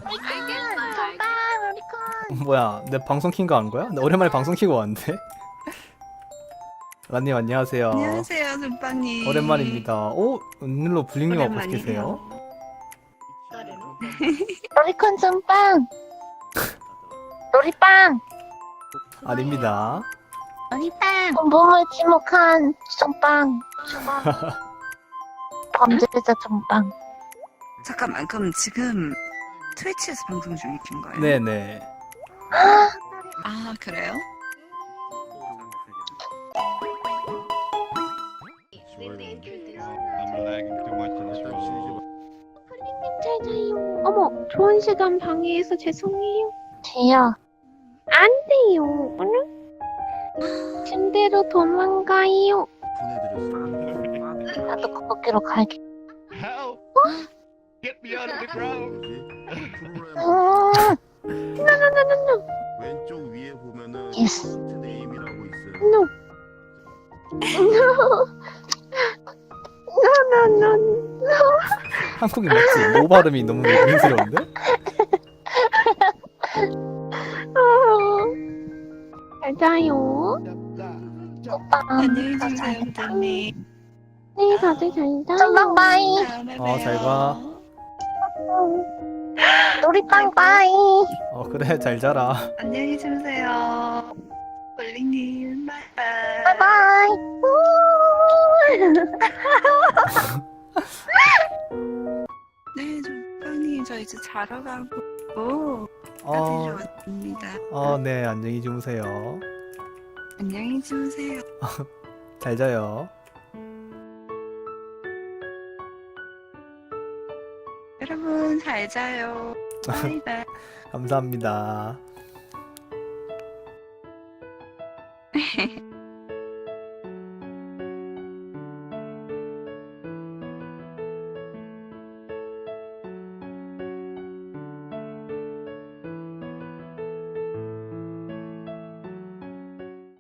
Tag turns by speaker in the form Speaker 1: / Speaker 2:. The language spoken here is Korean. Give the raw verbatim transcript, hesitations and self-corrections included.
Speaker 1: 알겠어요.
Speaker 2: 정답 로리콘.
Speaker 3: 뭐야, 내 방송 킨거 안 거야? 나 오랜만에 방송 키고 왔는데. 라님 안녕하세요.
Speaker 4: 안녕하세요, 눈빵님.
Speaker 3: 오랜만입니다. 오, 은밀로 블링님 하고
Speaker 4: 오랜만이에요.
Speaker 3: 계세요?
Speaker 2: 로리콘 솜빵. 로리빵.
Speaker 3: 아닙니다.
Speaker 2: 로리빵. 몸을 지목한 솜빵. 범죄자 솜빵.
Speaker 4: 잠깐만, 그럼 지금 트위치에서 방송 중이신 거예요?
Speaker 3: 네네.
Speaker 4: 아, 그래요?
Speaker 5: I'm lagging too much in this room.
Speaker 1: 잘 자요. 어머, 좋은 시간 방해해서 죄송해요.
Speaker 2: 돼요.
Speaker 1: 안 돼요. 오늘 침대로 도망가요.
Speaker 2: 나도 거기로 갈게.
Speaker 5: Help! Get me out of the ground!
Speaker 2: 음,
Speaker 1: 노노노노노.
Speaker 6: 왼쪽 위에 보면은
Speaker 2: 예스.
Speaker 6: 포인트 네임이라고 있어요.
Speaker 1: 노. 노노노노.
Speaker 3: 한국인 맞지? 모 발음이 너무 민스러운데?
Speaker 1: 잘 자요.
Speaker 2: 오빠.
Speaker 4: 안녕히 주무세요, 부장님.
Speaker 1: 네, 다들 잘 자요.
Speaker 2: 솜빵 빠이.
Speaker 4: 다음에
Speaker 3: 어, 잘 봐.
Speaker 2: 로리빵 빠이.
Speaker 3: 어, 그래, 잘 자라.
Speaker 4: 안녕히 주무세요. 볼링님, 바이바이.
Speaker 2: 바이바이.
Speaker 4: 네, 눈빵님, 저 이제 자러 가고
Speaker 3: 어,
Speaker 4: 따지러 왔습니다.
Speaker 3: 어, 네, 안녕히 주무세요.
Speaker 4: 안녕히 주무세요.
Speaker 3: 잘 자요.
Speaker 4: 여러분, 잘 자요. 바이바이.
Speaker 3: 감사합니다.